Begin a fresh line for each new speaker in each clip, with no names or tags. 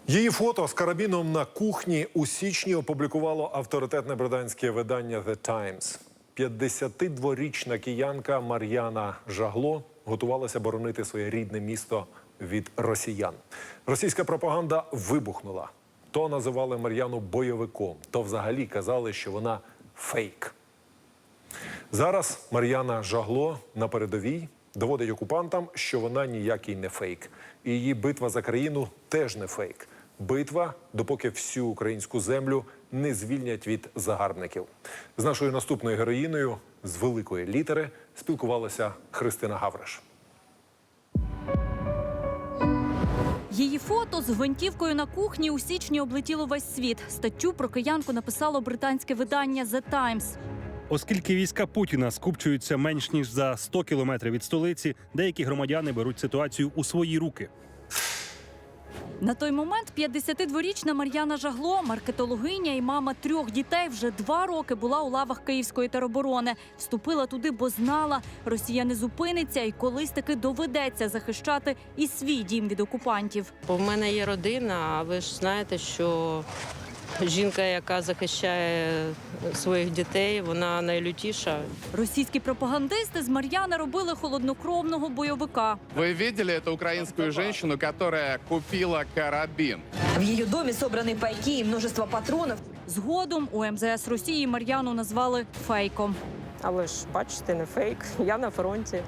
Її фото з карабіном на кухні у січні опублікувало авторитетне британське видання «The Times». 52-річна киянка Мар'яна Жагло готувалася боронити своє рідне місто від росіян. Російська пропаганда вибухнула. То називали Мар'яну бойовиком, то взагалі казали, що вона фейк. Зараз Мар'яна Жагло на передовій доводить окупантам, що вона ніякий не фейк. І її битва за країну теж не фейк. Битва, допоки всю українську землю не звільнять від загарбників. З нашою наступною героїною з великої літери спілкувалася Христина Гавриш.
Її фото з гвинтівкою на кухні у січні облетіло весь світ. Статтю про киянку написало британське видання «The Times».
Оскільки війська Путіна скупчуються менш ніж за 100 кілометрів від столиці, деякі громадяни беруть ситуацію у свої руки.
На той момент 52-річна Мар'яна Жагло, маркетологиня і мама 3 дітей, вже 2 роки була у лавах Київської тероборони. Вступила туди, бо знала, Росія не зупиниться і колись таки доведеться захищати і свій дім від окупантів.
Бо в мене є родина, а ви ж знаєте, що жінка, яка захищає своїх дітей, вона найлютіша.
Російські пропагандисти з Мар'яни робили холоднокровного бойовика.
Вы видели эту украинскую женщину, которая купила карабин?
В ее доме собраны пайки и множество патронов.
Згодом у МЗС Росії Мар'яну назвали фейком.
Але ж, бачите, не фейк. Я на фронті.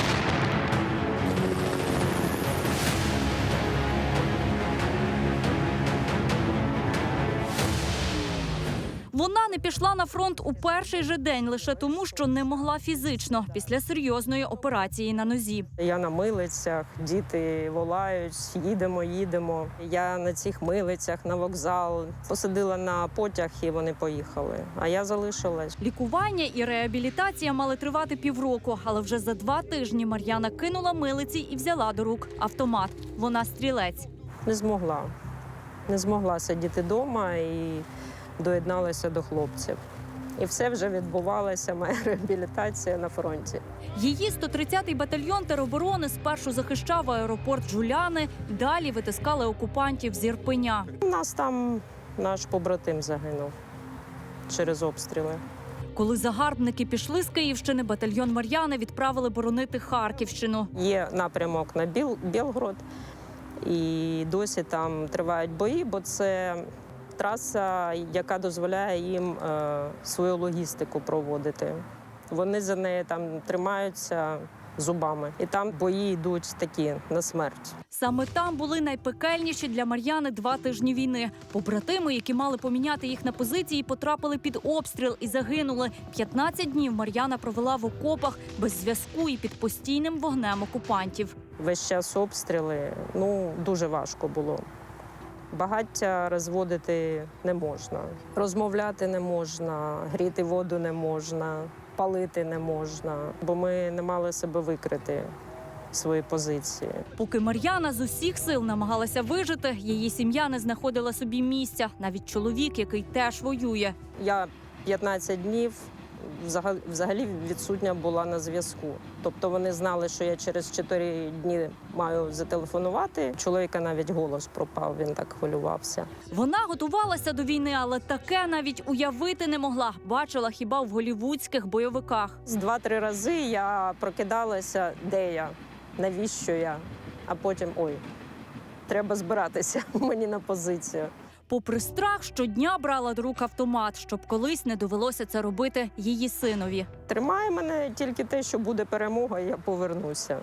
Вона не пішла на фронт у перший же день лише тому, що не могла фізично після серйозної операції на нозі.
Я на милицях, діти волають, їдемо. Я на цих милицях, на вокзал. Посадила на потяг і вони поїхали. А я залишилась.
Лікування і реабілітація мали тривати півроку, але вже за 2 тижні Мар'яна кинула милиці і взяла до рук автомат. Вона стрілець.
Не змогла сидіти вдома і доєдналася до хлопців. І все вже відбувалося, моя реабілітація на фронті.
Її 130-й батальйон тероборони спершу захищав аеропорт Джуляни, далі витискали окупантів з Ірпеня.
У нас там наш побратим загинув через обстріли.
Коли загарбники пішли з Київщини, батальйон Мар'яни відправили боронити Харківщину.
Є напрямок на Білгород, і досі там тривають бої, бо це траса, яка дозволяє їм свою логістику проводити. Вони за неї там тримаються зубами. І там бої йдуть такі на смерть.
Саме там були найпекельніші для Мар'яни 2 тижні війни. Побратими, які мали поміняти їх на позиції, потрапили під обстріл і загинули. 15 днів Мар'яна провела в окопах без зв'язку і під постійним вогнем окупантів.
Весь час обстріли, дуже важко було. Багаття розводити не можна, розмовляти не можна, гріти воду не можна, палити не можна, бо ми не мали себе викрити свої позиції.
Поки Мар'яна з усіх сил намагалася вижити, її сім'я не знаходила собі місця. Навіть чоловік, який теж воює.
Я 15 днів взагалі відсутня була на зв'язку. Тобто вони знали, що я через 4 дні маю зателефонувати. Чоловіка навіть голос пропав, він так хвилювався.
Вона готувалася до війни, але таке навіть уявити не могла. Бачила хіба в голлівудських бойовиках.
2-3 рази я прокидалася, де я, навіщо я, а потім треба збиратися мені на позицію.
Попри страх, щодня брала до рук автомат, щоб колись не довелося це робити її синові.
Тримає мене тільки те, що буде перемога, і я повернуся.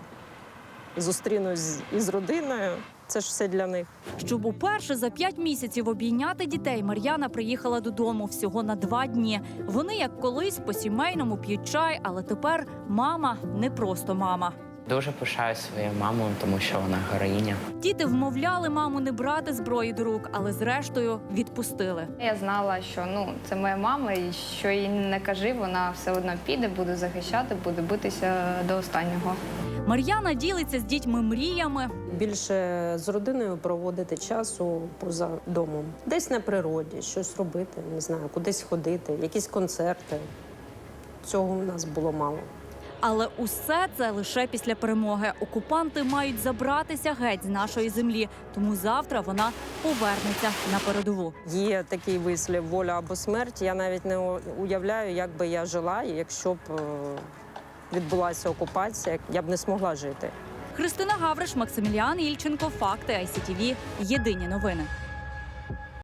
Зустрінусь із родиною. Це ж все для них.
Щоб уперше за 5 місяців обійняти дітей, Мар'яна приїхала додому всього на 2 дні. Вони, як колись, по-сімейному п'ють чай, але тепер мама не просто мама.
Дуже пишаю своєю мамою, тому що вона героїня.
Діти вмовляли маму не брати зброї до рук, але зрештою відпустили.
Я знала, що це моя мама, і що їй не кажи, вона все одно піде, буде захищати, буде битися до останнього.
Мар'яна ділиться з дітьми мріями.
Більше з родиною проводити часу поза домом. Десь на природі, щось робити, не знаю, кудись ходити, якісь концерти. Цього у нас було мало.
Але усе це лише після перемоги. Окупанти мають забратися геть з нашої землі, тому завтра вона повернеться на передову.
Є такий вислів «воля або смерть». Я навіть не уявляю, як би я жила, якщо б відбулася окупація, я б не змогла жити.
Христина Гавриш, Максиміліан Ільченко, Факти ICTV. Єдині новини.